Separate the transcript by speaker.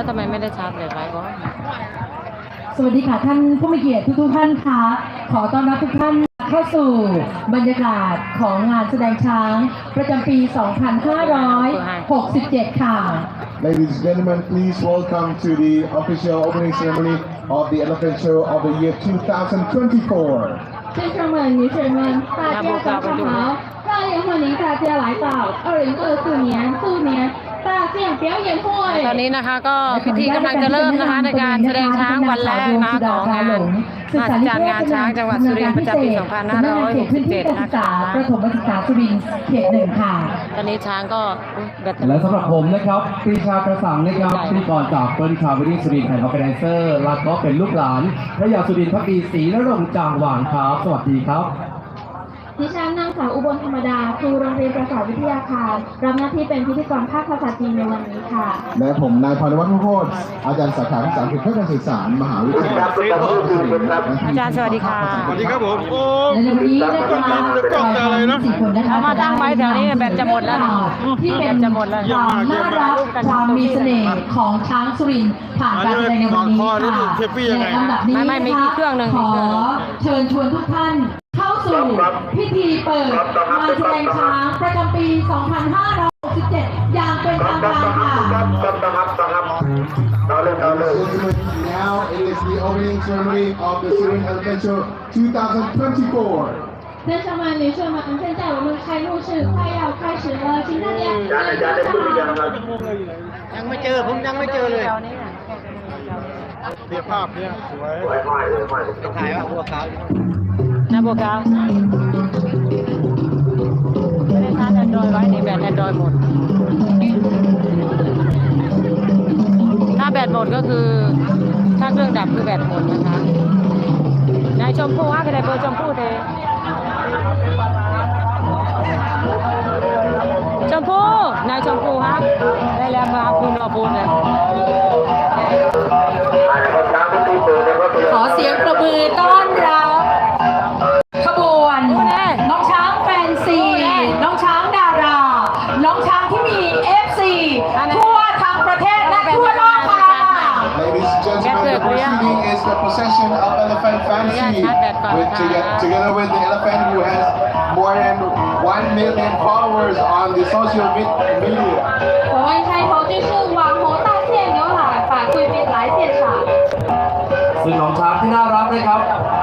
Speaker 1: ทำไมไม่ได้ชาร์จเลยไรก็
Speaker 2: สวัสดีค่ะท่านผู้มีเกียรติทุกท่านคะขอต้อนรับทุกท่านเข้าสู่บรรยากาศของงานแสดงช้างประจำปี 2567 ค่ะ
Speaker 3: Ladies and gentlemen, please welcome to the official opening ceremony of the Elephant Show of the year 2024.
Speaker 4: 先生们、女士们，大家早上好！热烈欢迎大家来到2024年兔年大象表演会。
Speaker 1: ตอนนี้นะคะก็พิธีกำลังจะเริ่มนะคะในการแสดงช้างวันแรกนะของงานมหัศจรรย์งานช้างจังหวัดสุรินทร์ประจำปี 2567 นะคะ
Speaker 2: ประถมศึกษาสุรินทร์เขต 1 ค่ะ
Speaker 1: ตอนนี้ช้างก็แบต
Speaker 5: และสำหรับผมนะครับปรีชากระสังนะครับพิธีกรจากเปิ้ลชาววิริสุรินทร์ไทยออร์แกไนเซอร์และก็เป็นลูกหลานพระยาสุรินทร์พักดีศรีนรงค์จางหว่างครับสวัสดีครับ
Speaker 4: ดิฉันนางสาวอุบลธรรมดาครูโรงเรียนประสาทวิทยาคารรับหน้าที่เป็นพิธีกรภาคภาษาจีนในวันนี้ค่ะ
Speaker 3: และผมนายพรวัฒน์พุทธโคตรอาจารย์สาขาภาษาอังกฤษเพื่อการสื่อสารมหาวิทยาลัย
Speaker 1: อาจารย์สวัสดีค่ะ
Speaker 6: สวัสดีครับผมโอ้
Speaker 2: และในวันนี้นะคะ
Speaker 6: กล้องแต่อะไรนะ
Speaker 2: สี่คนนะคะ
Speaker 1: เอามาตั้งไว้แถวนี้แบตจะหมดแล้ว
Speaker 2: ที่เป็น
Speaker 1: แบตจะหมดแล้ว
Speaker 2: ความน่ารักความมีเสน่ห์ของช้างสุรินทร์ผ่านการแสดงในวันนี้ค่ะในลำดับนี้
Speaker 1: ไม่มีเครื่องหนึ่ง
Speaker 2: ขอเชิญชวนทุกท่านเข้าสู่พิธีเปิดงานแสดงช้างประจำปี 2567 อย่างเป็นทางการค่ะ
Speaker 3: Now it is the opening ceremony of the Surin Elephant Show 2024.
Speaker 4: 先生们、女士们，现在我们开幕式快要开始了，请大家跟上。
Speaker 6: ยังไม่เจอผมยังไม่เจอเลยเรียบภาพเนี่ยสวยถ่ายว่าหัวขาว
Speaker 1: หน้าโบกาวไม่ได้ชาร์จแอนดรอยไว้ในแบตแอนดรอยหมดถ้าแบตหมดก็คือถ้าเครื่องดับคือแบตหมดนะคะนายชมพู่ฮะใครเบอร์ชมพู่เทชมพู่นายชมพู่ฮะได้แล้วครับคุณรอพูนเลย
Speaker 2: ขอเสียงประมือต้อนรับขบวนน้องช้างแฟนซีน้องช้างดารา น้องช้างที่มี FC ทั่วทั้งประเทศและทั่วโลกค่ะ
Speaker 3: Ladies and gentlemen, the proceeding is the procession of Elephant Fancy, together with the elephant who has more than 1 million followers on the social media.
Speaker 4: 我们开头就是网红大献牛奶，把贵宾来现场。
Speaker 5: ซึ่งน้องช้างที่น่ารักนะครับ